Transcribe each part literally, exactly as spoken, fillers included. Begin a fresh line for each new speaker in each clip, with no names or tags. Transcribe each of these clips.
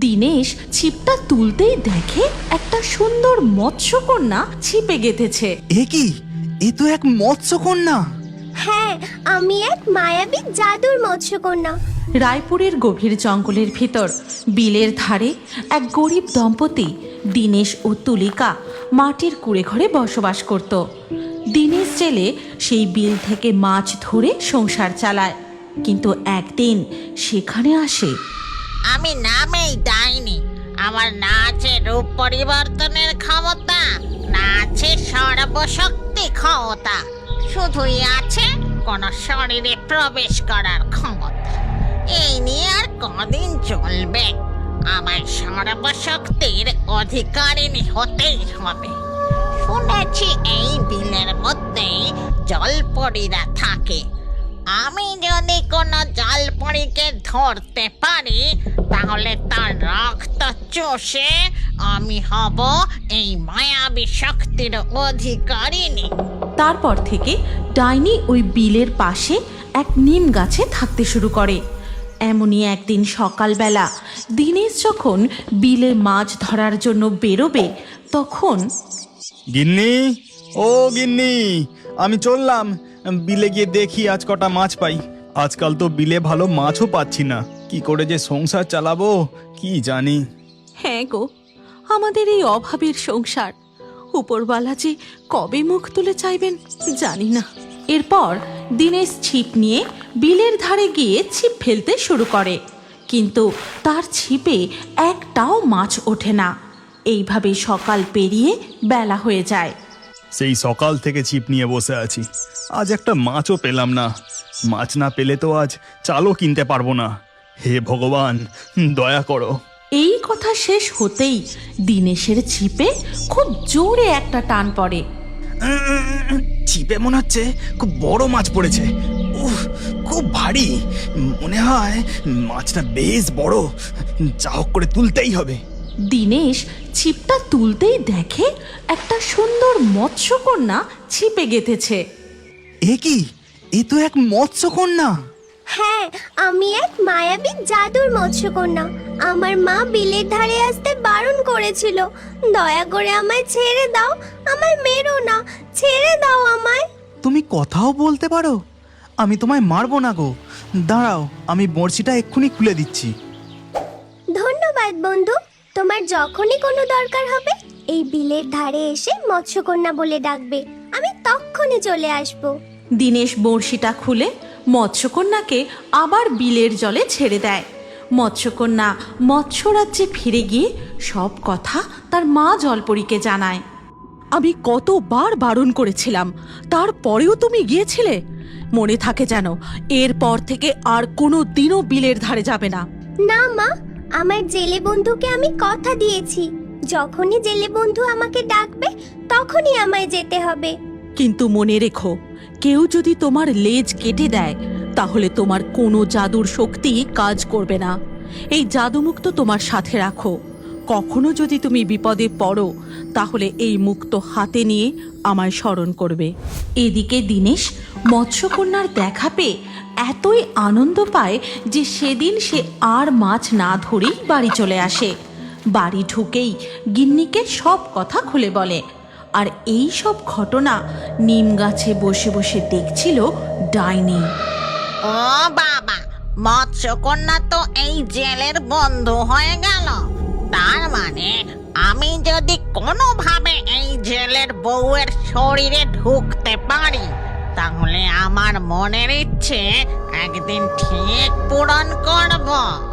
দিনেশ ছিপটা তুলতেই দেখে একটা সুন্দর মৎস্যকন্যা ছিপে গেঁথেছে।
এ কি? এ তো এক মৎস্যকন্যা।
হ্যাঁ, আমি এক মায়াবী জাদুর মৎস্যকন্যা।
রায়পুরের গভীর জঙ্গলের ভিতর বিলের ধারে এক গরিব দম্পতি দিনেশ ও তুলিকা মাটির কুঁড়ে ঘরে বসবাস করত। দিনেশ জেলে সেই বিল থেকে মাছ ধরে সংসার চালায়, কিন্তু একদিন সেখানে আসে।
আমি নামেই ডাইনি। আমার না আছে রূপ পরিবর্তনের ক্ষমতা, না আছে সর্বশক্তি ক্ষমতা, শুধুই আছে কোন শরীরে প্রবেশ করার ক্ষমতা। এই নিয়ে আর কদিন চলবে? আমার সর্বশক্তির অধিকারিণী হতেই হবে। শুনেছি এই বিলের মধ্যেই জলপরীরা থাকে। আমি যদি কোনো জলপরীকে ধরতে পারি, তাহলে তার রক্ত চষে আমি হব এই মায়াবী শক্তির অধিকারিণী।
তারপর থেকে ডাইনি ওই বিলের পাশে এক নিম গাছে থাকতে শুরু করে। এমনই একদিন সকালবেলা দিনেশ যখন বিলে মাছ ধরার জন্য বেরোবে, তখন
গিন্নি, ও গিন্নি, আমি চললাম। বিলে গিয়ে দেখি আজ কটা মাছ পাই। আজকাল তো বিলে ভালো মাছও পাচ্ছি না। কি করে যে সংসার চালাবো কি জানি।
হ্যাঁ গো, আমাদের এই অভাবের সংসার উপরওয়ালা যে কবে মুখ তুলে চাইবেন জানি না। এরপর দিনেশ ছিপ নিয়ে বিলের ধারে গিয়ে ছিপ ফেলতে শুরু করে, কিন্তু তার ছিপে একটাও মাছ ওঠে না। এইভাবে সকাল পেরিয়ে বেলা হয়ে যায়।
সেই সকাল থেকে ছিপ নিয়ে বসে আছি, আজ একটা মাছও পেলাম না। মাছ না পেলে তো আজ চালও কিনতে পারবো না। হে ভগবান, দয়া করো।
এই কথা শেষ হতেই দিনেশের ছিপে খুব জোরে একটা টান পড়ে।
ছিপে মনে হচ্ছে খুব বড় মাছ পড়েছে। উফ, খুব ভারী। মনে হয় মাছটা বেশ বড়। যা হোক করে তুলতেই হবে।
দিনেশ ছিপটা তুলতেই দেখে একটা সুন্দর মৎস্যকন্যা ছিপে গেঁথেছে।
এ কি? এ তো এক মৎস্যকন্যা।
হ্যাঁ, আমি এক মায়াবী জাদুর মৎস্যকন্যা। আমার মা বিলের ধারে আসতে বারণ করেছিল। দয়া করে আমায় ছেড়ে দাও, আমায় মেরো না, ছেড়ে দাও আমায়।
তুমি কথাও বলতে পারো? আমি তোমায় মারবো না গো। দাঁড়াও, আমি বড়শিটা এক্ষুনি খুলে দিচ্ছি।
ধন্যবাদ বন্ধু। তোমার যখনই কোনো দরকার হবে এই বিলের ধারে এসে মৎস্যকন্যা বলে ডাকবে, আমি তক্ষুনি চলে আসবো।
দিনেশ বড়শিটা খুলে মৎস্যকন্যাকে আবার বিলের জলে ছেড়ে দেয়। মৎস্যকন্যা মৎস্যরাজ্যে ফিরে গিয়ে সব কথা তার মা জলপরীকে জানায়। আমি কতবার বারণ করেছিলাম, তারপরেও তুমি গিয়েছিলে। মনে থাকে যেন এরপর থেকে আর কোনো দিনও বিলের ধারে যাবে না।
না মা, আমার জেলে বন্ধুকে আমি কথা দিয়েছি, যখনই জেলে বন্ধু আমাকে ডাকবে তখনই আমায় যেতে হবে।
কিন্তু মনে রেখো, কেউ যদি তোমার লেজ কেটে দেয় তাহলে তোমার কোনো জাদুর শক্তি কাজ করবে না। এই জাদুমুক্ত তোমার সাথে রাখো। কখনো যদি তুমি বিপদে পড়ো তাহলে এই মুক্ত হাতে নিয়ে আমায় স্মরণ করবে। এদিকে দিনেশ মৎস্যকন্যার দেখা পেয়ে এতই আনন্দ পায় যে সেদিন সে আর মাছ না ধরেই বাড়ি চলে আসে। বাড়ি ঢুকেই গিন্নিকে সব কথা খুলে বলে। আর এই সব ঘটনা নিম গাছে বসে বসে দেখছিল ডাইনি।
ও বাবা, মৎস্যকন্যা তো এই জেলের বন্ধু হয়ে গেল। তার মানে আমি যদি কোনোভাবে এই জেলের বউয়ের শরীরে ঢুকতে পারি, তাহলে আমার মনের ইচ্ছে একদিন ঠিক পূরণ করব।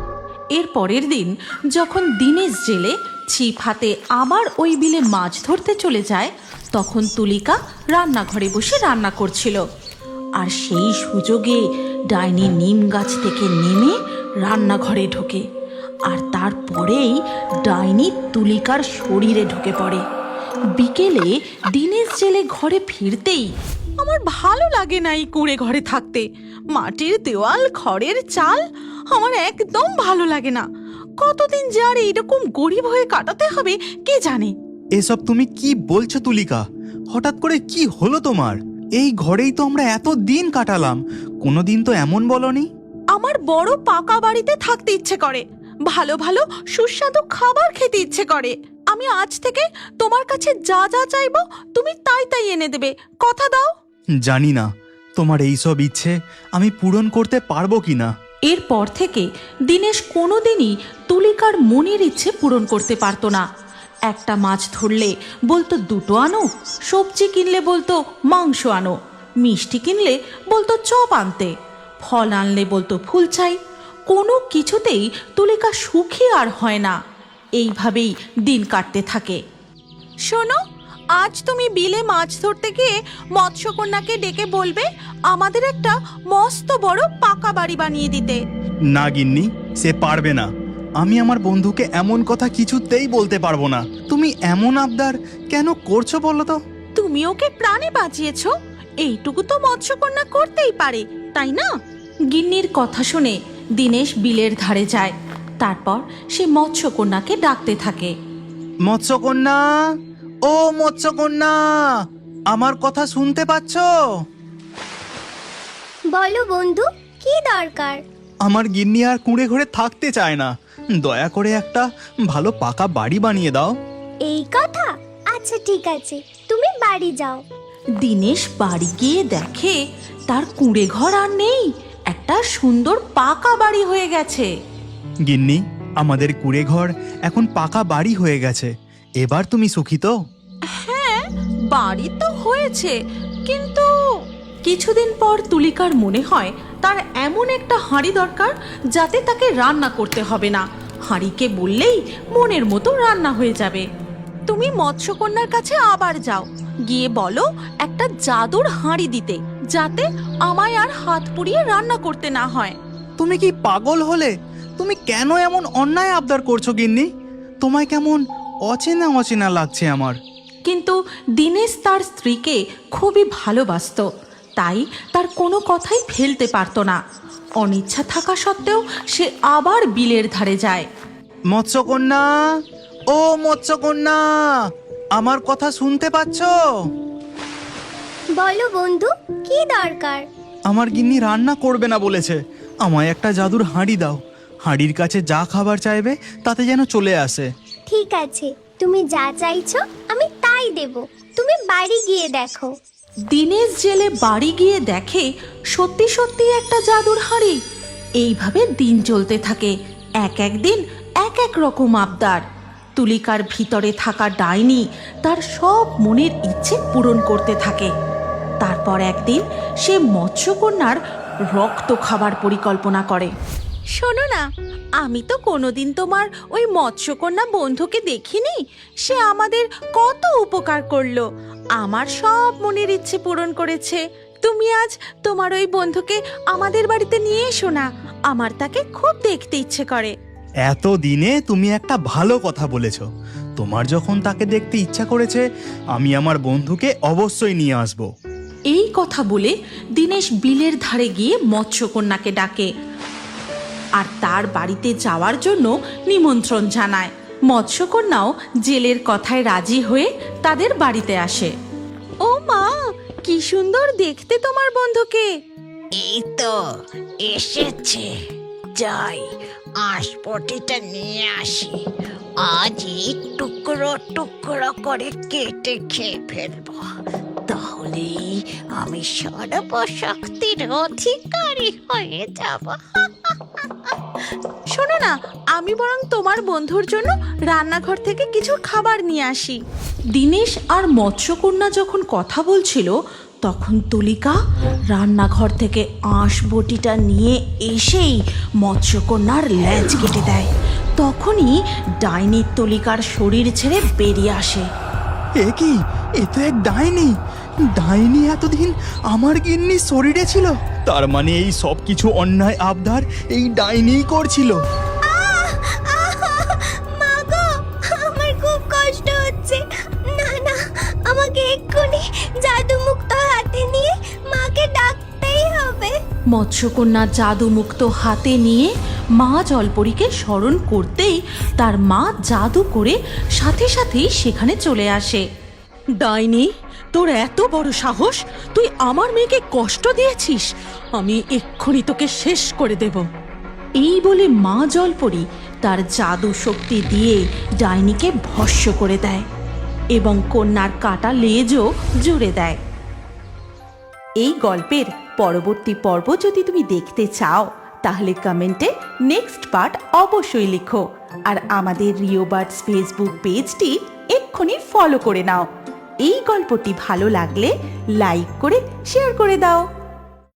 এর পরের দিন যখন দিনেশ জেলে ছিপ হাতে আবার ওই বিলে মাছ ধরতে চলে যায়, তখন তুলিকা রান্নাঘরে বসে রান্না করছিল। আর সেই সুযোগে ডাইনি নিম গাছ থেকে নেমে রান্নাঘরে ঢোকে। আর তারপরেই ডাইনি তুলিকার শরীরে ঢুকে পড়ে। বিকেলে দিনেশ জেলে ঘরে ফিরতেই, আমার ভালো লাগে না এই কুঁড়ে ঘরে থাকতে। মাটির দেওয়াল, খড়ের চাল আমার একদম ভালো লাগে না। কতদিন যে আর এইরকম গরিব হয়ে কাটাতে হবে কে জানে।
এসব তুমি কি বলছো তুলিকা? হঠাৎ করে কি হলো তোমার? এই ঘরেই তো আমরা এত দিন কাটালাম, কোনোদিন তো এমন বলনি।
আমার বড় পাকা বাড়িতে থাকতে ইচ্ছে করে, ভালো ভালো সুস্বাদু খাবার খেতে ইচ্ছে করে। আমি আজ থেকে তোমার কাছে যা যা চাইবো তুমি তাই তাই এনে দেবে, কথা দাও।
জানি না তোমার এইসব ইচ্ছে আমি পূরণ করতে পারবো কিনা।
এরপর থেকে দিনেশ কোনোদিনই তুলিকার মনের ইচ্ছে পূরণ করতে পারতো না। একটা মাছ ধরলে বলতো দুটো আনো, সবজি কিনলে বলতো মাংস আনো, মিষ্টি কিনলে বলতো চপ আনতে, ফল আনলে বলতো ফুল চাই। কোনো কিছুতেই তুলিকা সুখী আর হয় না। এইভাবেই দিন কাটতে থাকে। শোনো, আজ তুমি বিলে মাছ ধরতে গিয়ে মৎস্যকন্যাকে ডেকে বলবে আমাদের একটা মস্ত বড় পাকা বাড়ি বানিয়ে দিতে।
না গিন্নি, সে পারবে না। আমি আমার বন্ধুকে এমন কথা কিছুতেই বলতে পারবো না। তুমি এমন আবদার কেন করছো বলো তো?
তুমি ওকে প্রাণে বাঁচিয়েছো, এইটুকু তো মৎস্যকন্যা করতেই পারে, তাই না? গিন্নির কথা শুনে দিনেশ বিলের ধারে যায়। তারপর সে মৎস্যকন্যাকে ডাকতে থাকে।
মৎস্যকন্যা, ও মৎস্যকন্যা, আমার কথা শুনতে পাচ্ছো?
বলো বন্ধু, কি দরকার?
আমার গিন্নি আর কুঁড়ে ঘরে থাকতে চায় না। দয়া করে একটা ভালো পাকা বাড়ি বানিয়ে দাও।
এই কথা? আচ্ছা ঠিক আছে, তুমি বাড়ি যাও।
দিনেশ বাড়ি গিয়ে দেখে তার কুঁড়ে ঘর আর নেই, একটা সুন্দর পাকা বাড়ি হয়ে গেছে।
গিন্নি, আমাদের কুঁড়ে ঘর এখন পাকা বাড়ি হয়ে গেছে। এবার তুমি সুখী তো?
হ্যাঁ, বাড়ি তো হয়েছে, কিন্তু কিছুদিন পর তুলিকার মনে হয় তার এমন একটা হাঁড়ি দরকার যাতে তাকে রান্না করতে হবে না। হাঁড়িকে বললেই মনের মতো রান্না হয়ে যাবে। তুমি মৎস্যকন্যার কাছে আবার যাও, গিয়ে বলো একটা জাদুর হাঁড়ি দিতে, যাতে আমায় আর হাত পুড়িয়ে রান্না করতে না হয়।
তুমি কি পাগল হলে? তুমি কেন এমন অন্যায় আবদার করছো গিন্নি? তোমায় কেমন অচেনা অচেনা লাগছে আমার।
কিন্তু দিনেশ তার স্ত্রীকে খুবই ভালোবাসতো, তাই তার কোনো কথাই ফেলতে পারতো না। অনিচ্ছা থাকা সত্ত্বেও সে আবার বিলের ধারে যায়।
মৎস্যকন্যা, ও মৎস্যকন্যা, আমার কথা শুনতে পাচ্ছো?
বলো বন্ধু, কি দরকার?
আমার গিন্নি রান্না করবে না বলেছে। আমায় একটা জাদুর হাঁড়ি দাও। হাঁড়ির কাছে যা খাবার চাইবে তাতে যেন চলে আসে।
ঠিক আছে, তুমি যা চাইছো আমি তাই দেব। তুমি বাড়ি গিয়ে দেখো।
দিনেশ জেলে বাড়ি গিয়ে দেখে সত্যি সত্যি একটা জাদুর হাঁড়ি। এইভাবে দিন চলতে থাকে। এক এক দিন এক এক রকম আবদার। তুলিকার ভিতরে থাকা ডাইনি তার সব মনের ইচ্ছে পূরণ করতে থাকে। তারপর একদিন সে মৎস্যকন্যার রক্ত খাবার পরিকল্পনা করে। শোনো না, আমি তো কোনোদিন তোমার ওই মৎস্যকন্যা বন্ধুকে দেখিনি। সে আমাদের কত উপকার করলো, আমার সব মনের ইচ্ছে পূরণ করেছে। তুমি আজ তোমার ওই বন্ধুকে আমাদের বাড়িতে নিয়ে এসো না, আমার তাকে খুব দেখতে ইচ্ছে করে।
এত দিনে তুমি একটা ভালো কথা বলেছো। তোমার যখন তাকে দেখতে ইচ্ছা করেছে, আমি আমার বন্ধুকে অবশ্যই নিয়ে আসবো।
এই কথা বলে দিনেশ বিলের ধারে গিয়ে মৎস্যকন্যাকে ডাকে আর তার বাড়িতে যাওয়ার জন্য নিমন্ত্রণ জানায়। মৎস্যকন্যাও জেলের কথায় রাজি হয়ে তাদের বাড়িতে আসে। ও মা, কি সুন্দর দেখতে তোমার বন্ধুকে।
এই তো এসেছে, যাই আঁশপটিটা নিয়ে আসি। আজ এই টুকরো টুকরো করে কেটে খেয়ে ফেলবো, তাহলেই আমি সর্বশক্তির অধিকারী হয়ে যাব।
শোনো না, আমি বরং তোমার বন্ধুর জন্য রান্নাঘর থেকে কিছু খাবার নিয়ে আসি। দিনেশ আর মৎস্যকন্যা যখন কথা বলছিল, তখন তুলিকা রান্নাঘর থেকে আঁশ বটিটা নিয়ে এসেই মৎস্যকন্যার লেজ কেটে দেয়। তখনই ডাইনি তুলিকার শরীর ছেড়ে বেরিয়ে আসে।
এ কি? এ তো এক ডাইনি। ডাইনি এতদিন আমার গিন্নির শরীরে ছিল। তার মানে এই সব কিছু অন্যায় আবদার এই ডাইনিই করছিল।
মা গো, আমার খুব কষ্ট হচ্ছে। না না, আমাকে এক্ষুনি জাদুমুক্ত হাতে নিয়ে মাকে ডাকতেই হবে।
মৎস্যকন্যা জাদুমুক্ত হাতে নিয়ে মা জলপরীকে স্মরণ করতেই তার মা জাদু করে সাথে সাথেই সেখানে চলে আসে। ডাইনি, তোর এত বড় সাহস! তুই আমার মেয়েকে কষ্ট দিয়েছিস, আমি এক্ষুনি তোকে শেষ করে দেব। এই বলে মা জলপরী তার জাদু শক্তি দিয়ে ডাইনিকে ভস্ম করে দেয় এবং কন্যার কাটা লেজও জুড়ে দেয়। এই গল্পের পরবর্তী পর্ব যদি তুমি দেখতে চাও তাহলে কমেন্টে নেক্সট পার্ট অবশ্যই লিখো, আর আমাদের রিও বার্ডস ফেসবুক পেজটি এক্ষুনি ফলো করে নাও। এই গল্পটি ভালো লাগলে লাইক করে শেয়ার করে দাও।